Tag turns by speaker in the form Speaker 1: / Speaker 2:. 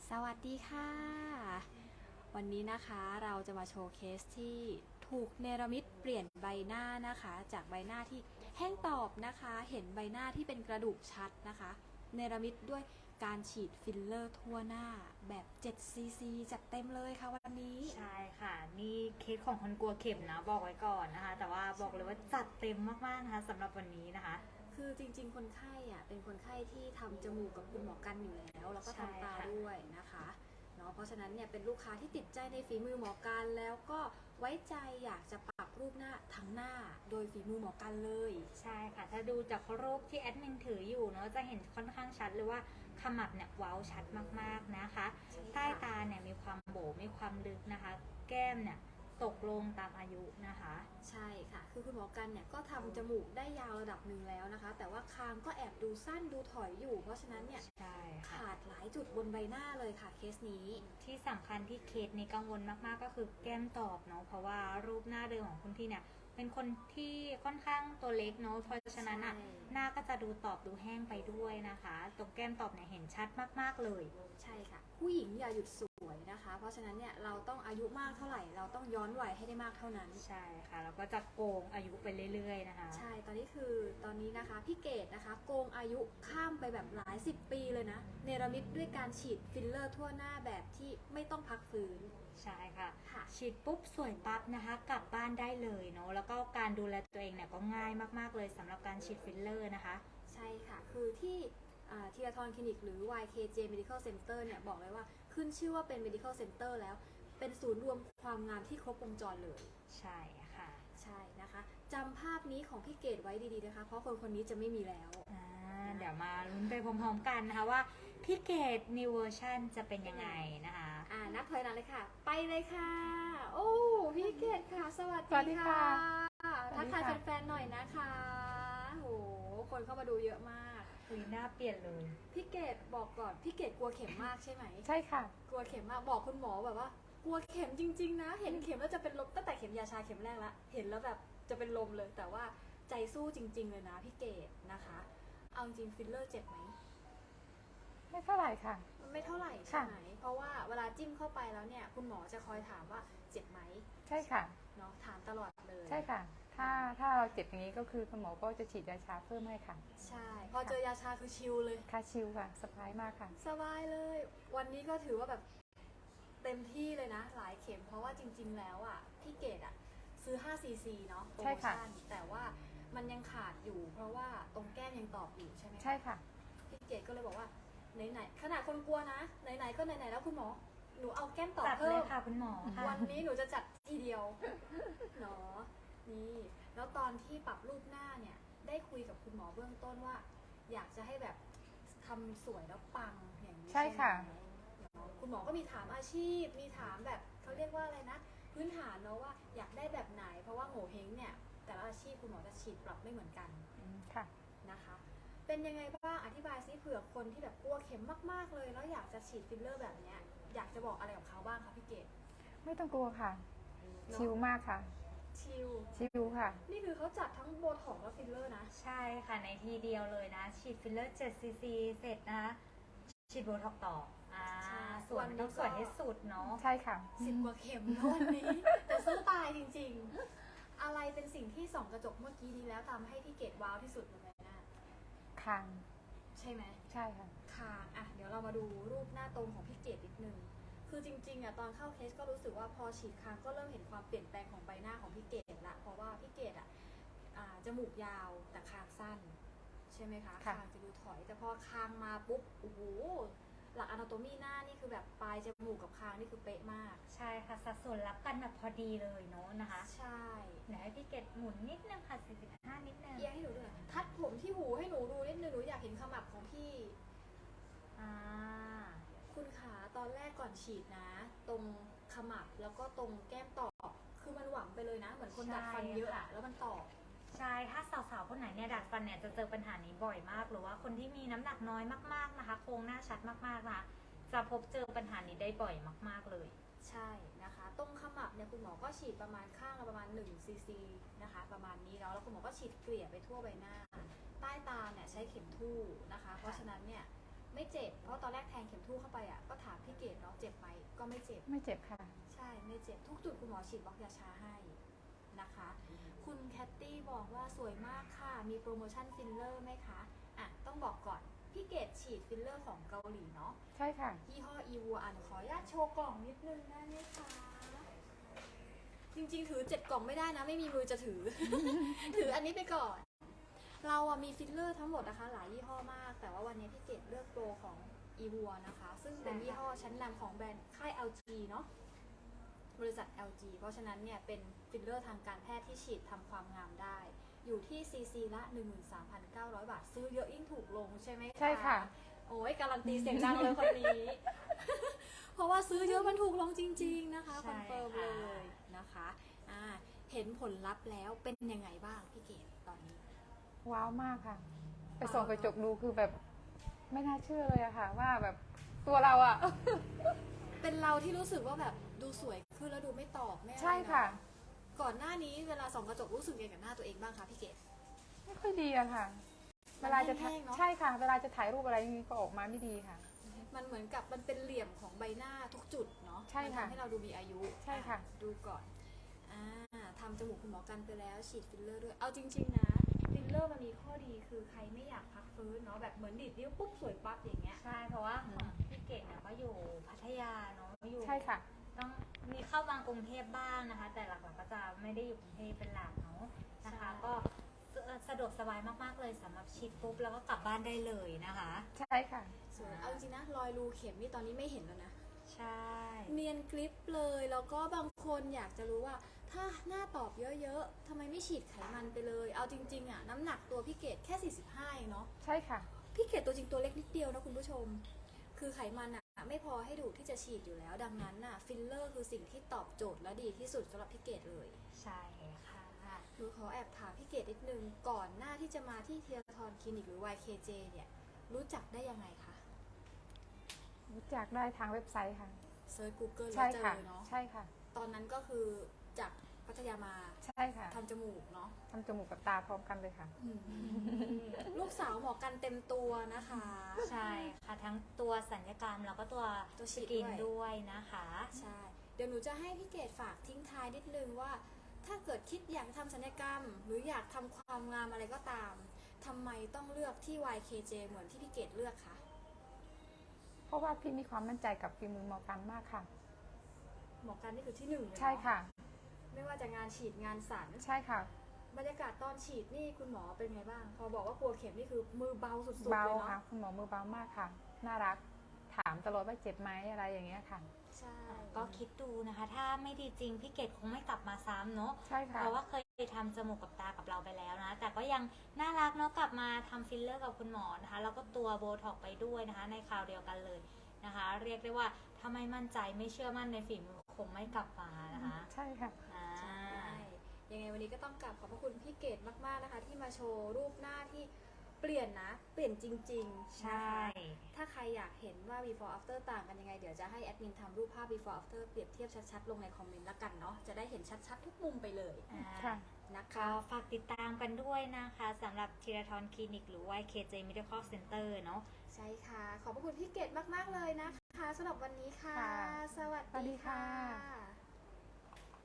Speaker 1: สวัสดีค่ะวันนี้นะคะเราจะมาโชว์เคสที่ถูกเนรมิตเปลี่ยนใบหน้านะคะจากใบหน้าที่แห้งตอบนะคะเห็นใบหน้าที่เป็นกระดูกชัดนะคะเนรมิตด้วยการฉีดฟิลเลอร์ทั่วหน้าแบบ7 cc จัดเต็มเลยค่ะวันนี้
Speaker 2: ใช่ค่ะนี่เคสของคนกลัวเข็มนะบอกไว้ก่อนนะคะแต่ว่าบอกเลยว่าจัดเต็มมากๆนะคะสำหรับวันนี้นะคะ
Speaker 1: คือจริงๆคนไข้เป็นคนไข้ที่ทำจมูกกับคุณหมอกันอยู่แล้วแล้วก็ทำตาด้วยนะคะเนาะเพราะฉะนั้นเนี่ยเป็นลูกค้าที่ติดใจในฝีมือหมอกันแล้วก็ไว้ใจอยากจะปรับรูปหน้าทั้งหน้าโดยฝีมือหมอกันเลย
Speaker 2: ใช่ค่ะถ้าดูจากรูปที่แอดมินถืออยู่เนาะจะเห็นค่อนข้างชัดเลยว่าขมับเนี่ยเว้าชัดมากๆนะคะใต้ตาเนี่ยมีความโบมีความลึกนะคะแก้มเนี่ยตกลงตามอายุนะคะ
Speaker 1: ใช่ค่ะคือคุณหมอกันเนี่ยก็ทำจมูกได้ยาวระดับหนึ่งแล้วนะคะแต่ว่าคางก็แอบดูสั้นดูถอยอยู่เพราะฉะนั้นเนี่ยขาดหลายจุดบนใบหน้าเลยค่ะเคสนี้
Speaker 2: ที่สำคัญที่เคสนี้กังวลมากๆก็คือแก้มตอบเนาะเพราะว่ารูปหน้าเดิมของคุณพี่เนี่ยเป็นคนที่ค่อนข้างตัวเล็กเนาะเพราะฉะนั้นหน้าก็จะดูตอบดูแห้งไปด้วยนะคะตรงแก้มตอบเนี่ยเห็นชัดมากๆเลย
Speaker 1: ใช่ค่ะผู้หญิงอย่าหยุดสวยนะคะเพราะฉะนั้นเนี่ยเราต้องอายุมากเท่าไหร่เราต้องย้อนวัยให้ได้มากเท่านั้น
Speaker 2: ใช่ค่ะแล้วก็จะโกงอายุไปเรื่อยๆนะคะ
Speaker 1: ใช่ตอนนี้นะคะพี่เกดนะคะโกงอายุข้ามไปแบบหลาย10 ปีเลยนะเนรมิตด้วยการฉีดฟิลเลอร์ทั่วหน้าแบบที่ไม่ต้องพักฟื้น
Speaker 2: ใช่ค่ะฉีดปุ๊บสวยปั๊บนะคะกลับบ้านได้เลยเนาะแล้วก็การดูแลตัวเองเนี่ยก็ง่ายมากๆเลยสำหรับการฉีดฟิลเลอร์นะคะ
Speaker 1: ใช่ค่ะคือที่ทีราธรคลินิกหรือ YKJ Medical Center เนี่ยบอกเลยว่าขึ้นชื่อว่าเป็น Medical Center แล้วเป็นศูนย์รวมความงามที่ครบวงจรเลย
Speaker 2: ใช่ค่ะ
Speaker 1: ใช่นะคะจำภาพนี้ของพี่เกดไว้ดีๆนะคะเพราะคนคนนี้จะไม่มีแล้ว
Speaker 2: เดี๋ยวมาลุ้นไปพร้อมๆกันนะคะว่าพี่เกด New Version จะเป็นยังไงนะคะ
Speaker 1: นับถอยหลังเลยค่ะไปเลยค่ะโอ้พี่เกดค่ะสวัสดีค่ะทักทายแฟนๆหน่อยนะคะโหคนเข้ามาดูเยอะมาก
Speaker 2: หน้าเปลี่ยนเลย
Speaker 1: พี่เกดบอกก่อนพี่เกดกลัวเข็มมากใช่ไหม
Speaker 3: ใช่ค่ะ
Speaker 1: กลัวเข็มมากบอกคุณหมอแบบว่ากลัวเข็มจริงๆนะเห็นเข็มแล้วจะเป็นลมตั้งแต่เข็มยาชาเข็มแรกละเห็นแล้วแบบจะเป็นลมเลยแต่ว่าใจสู้จริงๆเลยนะพี่เกดนะคะเอาจริงฟิลเลอร์เจ็บไหม
Speaker 3: ไม่เท่าไหร่ค่ะ
Speaker 1: ไม่เท่าไหร่ใช่ไหมเพราะว่าเวลาจิ้มเข้าไปแล้วเนี่ยคุณหมอจะคอยถามว่าเจ็บไหม
Speaker 3: ใช่ค่ะ
Speaker 1: เนาะถามตลอดเลย
Speaker 3: ใช่ค่ะถ้าเราเจ็บอย่างนี้ก็คือคุณหมอก็จะฉีดยาชาเพิ่มให้ค่ะ
Speaker 1: ใช่พอเจอยาชาคือชิลเลย
Speaker 3: ค่ะชิลค่ะสบายมากค่ะ
Speaker 1: สบายเลยวันนี้ก็ถือว่าแบบเต็มที่เลยนะหลายเข็มเพราะว่าจริงๆแล้วพี่เกดซื้อ5 cc เนาะโปรโมชั่นแต่ว่ามันยังขาดอยู่เพราะว่าตรงแก้มยังตอบอยู่ใช่ไหม
Speaker 3: ใช่ค่ะ
Speaker 1: พี่เกดก็เลยบอกว่าไหนๆขนาดคนกลัวนะไหนๆก็ไหนๆแล้วคุณหมอหนูเอาแก้มตอบเพิ่ม
Speaker 2: ค่ะคุณหมอ
Speaker 1: วันนี้หนูจะจัดทีเดียวเนาะนี่แล้วตอนที่ปรับรูปหน้าเนี่ยได้คุยกับคุณหมอเบื้องต้นว่าอยากจะให้แบบทำสวยแล้วปังอย่างนี้
Speaker 3: ใช่ค่ะ
Speaker 1: คุณหมอก็มีถามอาชีพมีถามแบบเขาเรียกว่าอะไรนะพื้นฐานเนาะว่าอยากได้แบบไหนเพราะว่าโง่เฮงเนี่ยแต่ละอาชีพคุณหมอจะฉีดปรับไม่เหมือนกัน
Speaker 3: ค่ะ
Speaker 1: นะคะเป็นยังไงบ้างอธิบายซิเผื่อคนที่แบบกลัวเข็มมากๆเลยแล้วอยากจะฉีดฟิลเลอร์แบบเนี้ยอยากจะบอกอะไรกับเขาบ้างคะพี่เกด
Speaker 3: ไม่ต้องกลัวค่ะชิลมากค่ะชิลค่ะ
Speaker 1: นี่คือเขาจัดทั้งโบท็อกซ์และฟิลเลอร์นะ
Speaker 2: ใช่ค่ะในทีเดียวเลยนะฉีดฟิลเลอร์7 cc เสร็จนะคะฉีดโบท็อกซ์ต่อส่วนต้องสวยให้สุดเนาะ
Speaker 3: ใช่ค่ะ
Speaker 1: 10 กว่าเข็มวันนี้แต่สู้ตายจริงๆอะไรเป็นสิ่งที่ส่องกระจกเมื่อกี้นี้แล้วทำให้พี่เกดว้าวที่สุดบนใบหน้า
Speaker 3: คาง
Speaker 1: ใช่ไหม
Speaker 3: ใช่ค่ะ
Speaker 1: คางเดี๋ยวเรามาดูรูปหน้าตรงของพี่เกดนิดนึงคือจริงๆตอนเข้าเคสก็รู้สึกว่าพอฉีดคางก็เริ่มเห็นความเปลี่ยนแปลงของใบหน้าของพี่เกดละเพราะว่าพี่เกดจมูกยาวแต่คางสั้นใช่ไหมคะคางจะดูถอยแต่พอคางมาปุ๊บโอ้โหหลักอนาโตมีหน้านี่คือแบบปลายจมูกกับคางนี่คือเป๊ะมาก
Speaker 2: ใช่ค่ะสัดส่วนรับกันแบบพอดีเลยเนาะนะคะ
Speaker 1: ใช่
Speaker 2: ไหนให้พี่เกดหมุนนิดนึงค่ะ45นิดนึง
Speaker 1: เอียงให้หนูดูหน่อยทัดผมที่หูให้หนูดูนิดนึงหนูอยากเห็นขมับของพี่คุณขาตอนแรกก่อนฉีดนะตรงขมับแล้วก็ตรงแก้มตอบคือมันหวังไปเลยนะเหมือนคนดัดฟันเยอะแล้วมันตอบ
Speaker 2: ใช่ถ้าสาวๆคนไหนเนี่ยดัดฟันเนี่ยจะเจอปัญหานี้บ่อยมากหรือว่าคนที่มีน้ำหนักน้อยมากๆนะคะโครงหน้าชัดมากๆนะคะจะพบเจอปัญหานี้ได้บ่อยมากๆเลย
Speaker 1: ใช่นะคะตรงขมับเนี่ยคุณหมอก็ฉีดประมาณข้างละประมาณ1 cc นะคะประมาณนี้แล้วคุณหมอก็ฉีดเกลี่ยไปทั่วใบหน้าใต้ตาเนี่ยใช้เข็มทู่นะคะเพราะฉะนั้นเนี่ยไม่เจ็บเพราะตอนแรกแทงเข็มทู่เข้าไปอ่ะก็ถามพี่เกดเนาะเจ็บไหมก็ไม่เจ็บ
Speaker 3: ไม่เจ็บค่ะ
Speaker 1: ใช่ไม่เจ็บทุกจุดคุณหมอฉีดบล็อกยาชาให้นะคะ คุณแคตตี้บอกว่าสวยมากค่ะมีโปรโมชั่นฟิลเลอร์ไหมคะอ่ะต้องบอกก่อนพี่เกดฉีดฟิลเลอร์ของเกาหลีเนาะ
Speaker 3: ใช่ค่ะ
Speaker 1: ยี่ห้ออีวัวขออนุญาตโชว์กล่องนิดนึงได้ไหมคะจริงๆถือ7 กล่องไม่ได้นะไม่มีมือจะถือ ถืออันนี้ไปก่อน เราอะมีฟิลเลอร์ทั้งหมดนะคะหลายยี่ห้อมาก แต่ว่าวันนี้พี่เกดเลือกโปรของอีวัวนะคะ ซึ่งเป็นยี่ห้อชั้นนำของแบรนด์ค่าย LG เนาะบริษัท LG เพราะฉะนั้นเนี่ยเป็นฟิลเลอร์ทางการแพทย์ที่ฉีดทำความงามได้ อยู่ที่ซีซีละ 13,900 บาท ซื้อเยอะยิ่งถูกลงใช่ไหมคะ
Speaker 3: ใช่ค่ะ
Speaker 1: โอ้ยการันตีเสียงดังเลยคนนี้ เพราะว่าซื้อเยอะมันถูกลงจริง ๆนะคะค
Speaker 2: ใช่
Speaker 1: อนเฟิร์ม
Speaker 2: ค่ะ
Speaker 1: เลยนะคะเห็นผลลัพธ์แล้วเป็นยังไงบ้างพี่เกดตอนนี้
Speaker 3: ว้าวมากค่ะ ไปส่องกระจกดูคือแบบไม่น่าเชื่อเลยอะค่ะ ว่าแบบตัวเราอะ
Speaker 1: เป็นเราที่รู้สึกว่าแบบดูสวยขึ้นแล้วดูไม่ตอกไม่อะไร
Speaker 3: ใช่ค่ะ
Speaker 1: เนอก่อนหน้านี้เวลาส่องกระจกรู้สึกยังไงกับหน้าตัวเองบ้างคะพี่เกด
Speaker 3: ไม่ค่อยดีอะค่ะ เวลาจะถ่าย
Speaker 1: แห้งๆเนอะ
Speaker 3: ใช่ค่ะ เวลาจะถ่ายรูปอะไรนี่ก็ออกมาไม่ดีค่ะ
Speaker 1: มันเหมือนกับมันเป็นเหลี่ยมของใบหน้าทุกจุดเนาะ
Speaker 3: ใช่ค่ะ
Speaker 1: มันทำให้เราดูมีอายุ
Speaker 3: ใช่ค่ะ
Speaker 1: ดูก่อนทำจมูกคุณหมอกันไปแล้วฉีดฟิลเลอร์ด้วยเอาจริงๆนะฟิลเลอร์มันมีข้อดีคือใครไม่อยากพักฟื้นเนาะแบบเหมือนดีดนิ้วปุ๊บสวยปั๊บอย่างเงี้ย
Speaker 2: ใช่เพราะว่าของพี่เกดเนี่ยก็อยู่พัทยาเนาะอยู่
Speaker 3: ใช่ค่ะ
Speaker 2: ต้องมีเข้ามากรุงเทพบ้างนะคะ แต่หลักๆก็จะไม่ได้อยู่กรุงเทพเป็นหลักเนาะนะคะ
Speaker 1: ใช่
Speaker 2: ก็สะดวกสบายมากๆเลยสำหรับฉีดปุ๊บแล้วก็กลับบ้านได้เลยนะคะ
Speaker 3: ใช่ค่ะ
Speaker 1: สวยเอาจริงๆนะรอยรูเข็มนี่ตอนนี้ไม่เห็นแล้วนะ
Speaker 2: ใช่
Speaker 1: เนียนกริปเลยแล้วก็บางคนอยากจะรู้ว่าถ้าหน้าตอบเยอะๆทำไมไม่ฉีดไขมันไปเลย เอาจริงๆอะน้ำหนักตัวพี่เกดแค่45เองเนาะ
Speaker 3: ใช่ค่ะ
Speaker 1: พี่เกดตัวจริงตัวเล็กนิดเดียวนะคุณผู้ชม คือไขมันอะไม่พอให้ดูดที่จะฉีดอยู่แล้ว ดังนั้นอะฟิลเลอร์คือสิ่งที่ตอบโจทย์และดีที่สุดสำหรับพี่เกดเลย
Speaker 2: ใช่ค่ะ
Speaker 1: หนูขอแอบถามพี่เกดนิดนึงก่อนหน้าที่จะมาที่เทียทรคลินิกหรือ YKJ เนี่ยรู้จักได้ยังไงคะ
Speaker 3: รู้จักได้ทางเว็บไซต์ค่ะ
Speaker 1: เซิร์ช Google แล้
Speaker 3: ใช่
Speaker 1: วเจ
Speaker 3: ค่ะ
Speaker 1: อเนาะ
Speaker 3: ใช่ค่ะ
Speaker 1: ตอนนั้นก็คือจากพัทยามา
Speaker 3: ใช่ค่ะ
Speaker 1: ทำจมูกเนาะ
Speaker 3: ทำจมูกกับตาพร้อมกันเลยค่ะ
Speaker 1: ลูกสาวหมอกันเต็มตัวนะคะ
Speaker 2: ใช่ค่ะทั้งตัวสัญญกรรมแล้วก็ตัว
Speaker 1: ตัว
Speaker 2: ส
Speaker 1: ฉีด
Speaker 2: กิน
Speaker 1: ด้วย
Speaker 2: ด้วยนะคะ
Speaker 1: ใช่ เดี๋ยวหนูจะให้พี่เกดฝากทิ้งท้ายนิดนึงว่า ถ้าเกิดคิดอยากทำศัลยกรรม หรืออยากทำความงามอะไรก็ตามทำไมต้องเลือกที่ YKJ เหมือนที่พี่เกดเลือกคะ
Speaker 3: เพราะว่าพี่มีความมั่นใจกับฝีมือหมอกันมากค่ะ
Speaker 1: หมอกันนี่คือที่หนึ่งเลยเนอ
Speaker 3: ใช่ค่ะ
Speaker 1: ไม่ว่าจะงานฉีดงานสัน
Speaker 3: ใช่ค่ะ
Speaker 1: บรรยากาศตอนฉีดนี่คุณหมอเป็นไงบ้าง พอบอกว่ากลัวเข็มนี่คือมือเบาสุดๆ
Speaker 3: เบา
Speaker 1: เลย
Speaker 3: ค่ะ
Speaker 1: เนาะ
Speaker 3: คุณหมอมือเบามากค่ะ น่ารัก ถามตลอดว่าเจ็บไหมอะไรอย่างเงี้ยค่ะ
Speaker 1: ใช่
Speaker 2: ก็คิดดูนะคะ ถ้าไม่ดีจริงพี่เกดคงไม่กลับมาซ้ำเนาะ
Speaker 3: ใช่ค่ะ
Speaker 2: เพราะว่าเคยทำจมูกกับตากับเราไปแล้วนะ แต่ก็ยังน่ารักเนาะกลับมาทำฟิลเลอร์กับคุณหมอนะคะ แล้วก็ตัวโบท็อกซ์ไปด้วยนะคะ ในคราวเดียวกันเลยนะคะ เรียกได้ว่าถ้าไม่มั่นใจไม่เชื่อมั่นในฝีมือคงไม่กลับมานะคะ
Speaker 3: ใช่ค่ะ
Speaker 2: อ่า
Speaker 1: ใช่ยังไงวันนี้ก็ต้องกลับขอบพระคุณพี่เกดมากๆนะคะ ที่มาโชว์รูปหน้าที่เปลี่ยนนะ เปลี่ยนจริงๆ
Speaker 2: ใช่
Speaker 1: นะคะถ้าใครอยากเห็นว่า before after ต่างกันยังไง เดี๋ยวจะให้แอดมินทำรูปภาพ before after เปรียบเทียบชัดๆ ลงในคอมเมนต์ละกันเนาะ จะได้เห็นชัดๆ ทุกมุมไปเลย
Speaker 3: ค่ะ
Speaker 1: นะคะ
Speaker 2: ก็ฝากติดตามกันด้วยนะคะสำหรับธีรทรคลินิกหรือว่า KJ Medical Center เนาะ
Speaker 1: ใช่ค่ะ ขอบพระคุณพี่เกดมากๆเลยนะคะสำหรับวันนี้ค่ะ
Speaker 3: ค่ะ
Speaker 1: สวัส
Speaker 3: สวัสดี
Speaker 1: ดี
Speaker 3: ค่ะ
Speaker 1: ค่ะ